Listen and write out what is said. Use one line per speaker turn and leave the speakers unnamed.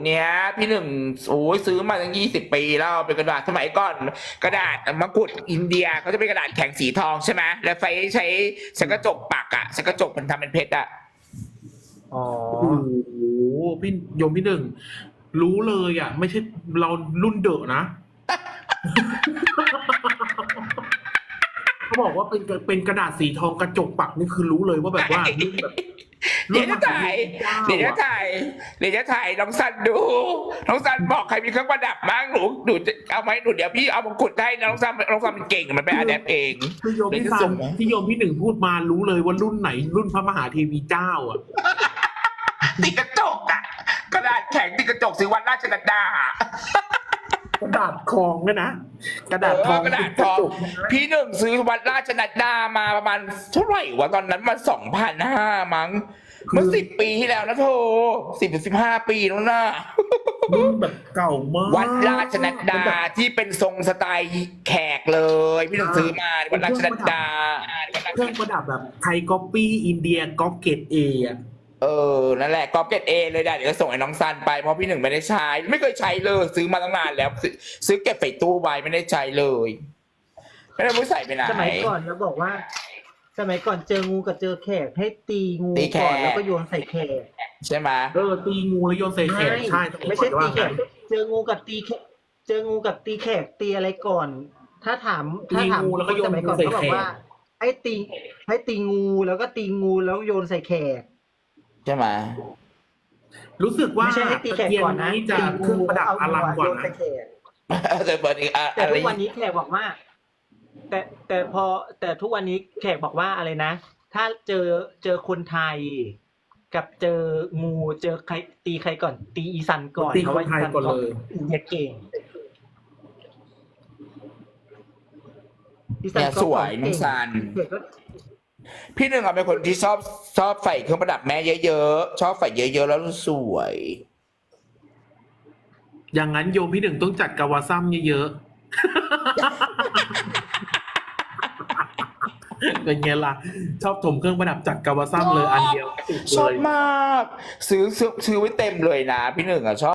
เนี้ยพี่หนึ่งโอ้ยซื้อมาตั้ง20 ปีแล้วเป็นกระดาษสมัยก่อนกระดาษมะกรูดอินเดียเขาจะเป็นกระดาษแข็งสีทองใช่ไหมแล้วใช้กระจกปักอ่ะใช้กระจกมันทำเป็นเพชรอ่ะ
อ๋อ
โอ้โหพี่โยมพี่หนึ่งรู้เลยอ่ะ ไม่ใช่เรารุ่นเดอะนะเขาบอกว่าเป็นกระดาษสีทองกระจกปักนี่คือรู้เลยว่าแบบว่ารุ่นแบบ
เดี๋ยวจะถ่ายเดี๋ยวจะถ่ายเดี๋ยวจะถ่ายน้องซันดูน้องซันบอกใครมีเครื่องประดับบ้างหนูจะเอาไหมหนูเดี๋ยวพี่เอามงกุฎให้น้องซันมันเก่งมันไปอะแดปเอง
คือโยมพี่ซันที่โยมพี่หนึ่งพูดมารู้เลยว่ารุ่นไหนรุ่นพระมหาเทวีเจ้าอ่ะ
ติดกระจกอ่ะกระดาษแข็งติดกระจกซื้อวันราชนัดดา
กระดาษทองเนี่ยนะกระดาษทอง
กระดาษทองพี่หนึ่งซื้อวัดราชนัดดามาประมาณเท่าไหร่วะตอนนั้นมัน2,500มั้งเมื่อ10 ปีที่แล้วนะโธ่10 ถึง 15 ปีแล้วนะ
รุ่นแบบเก่ามาก
วัดราชนัดดาที่เป็นทรงสไตล์แขกเลยพี่หนึ่งซื้อมาวัดราชนัดดา
เครื่องประดับแบบไทยก๊อปปี้อินเดียก๊อปเกตเออ่ะ
นั่นแหละก๊อปเกตเอเลยได้เดี๋ยวจะส่งให้น้องซันไปเพราะพี่หนึ่งไม่ได้ใช้ไม่เคยใช้เลยซื้อมาตั้งนานแล้วซื้อเก็บใส่ตู้ไว้ไม่ได้ใช้เลยไม่ได้รู้ใส่ไปไหน
สมัยก่อนแล้วบอกว่า สมัยก่อนเจองูกับเจอแขกให้ตีงู
ตีแขก
ก่อนแล้วก็โยนใส่แขก
ใช่ไหม
ตีงูแล้วโยนใส่แขกใช่
ไม่ใช่ตีแขกเจองูกับตีแขกเจองูกับตีแขกตีอะไรก่อน ถ้าถาม
งูแล้วก็โยน
สมัยก่อน
ใส่
เขาบอ
แข
ก
ก
ว่าให้ตีงูแล้วก็ตีงูแล้วโยนใส่แขก
ใช่ไหม
รู้สึกว่า
ไม่ใช่ให้ตีแขกก่อนนะ
จะเครื่องประดับอลังกว่า
โยน
นะ
ใส่แขก
แต่เปิดอีก
แต่
อะไร
ทุกวันนี้แขกบอกว่า แต่ทุกวันนี้แขกบอกว่าอะไรนะ ถ้าเจอคนไทย กับเจองูเจอใครตีใครก่อน ตีอีสันก่อน
ตี
เพราะ
ค
ว่าน
ไทยก่อนเลย
อินเดียเก่งอีสั
เนี่ย
ก็
สวยน้องซัน
เด็กก็
พี่หนึ่งเป็นคนที่ชอบใส่เครื่องประดับแม่เยอะๆชอบใส่เยอะๆแล้วสวย
อย่างนั้นโยมพี่หนึ่งต้องจัดกาวาซัมเยอะๆ เป็นไงล่ะ ชอบถมเครื่องประดับจัดกาวาซัมเลยอันเดียว
ชอบมากซื้อไว้เต็มเลยนะพี่หนึ่งอ่ะชอบ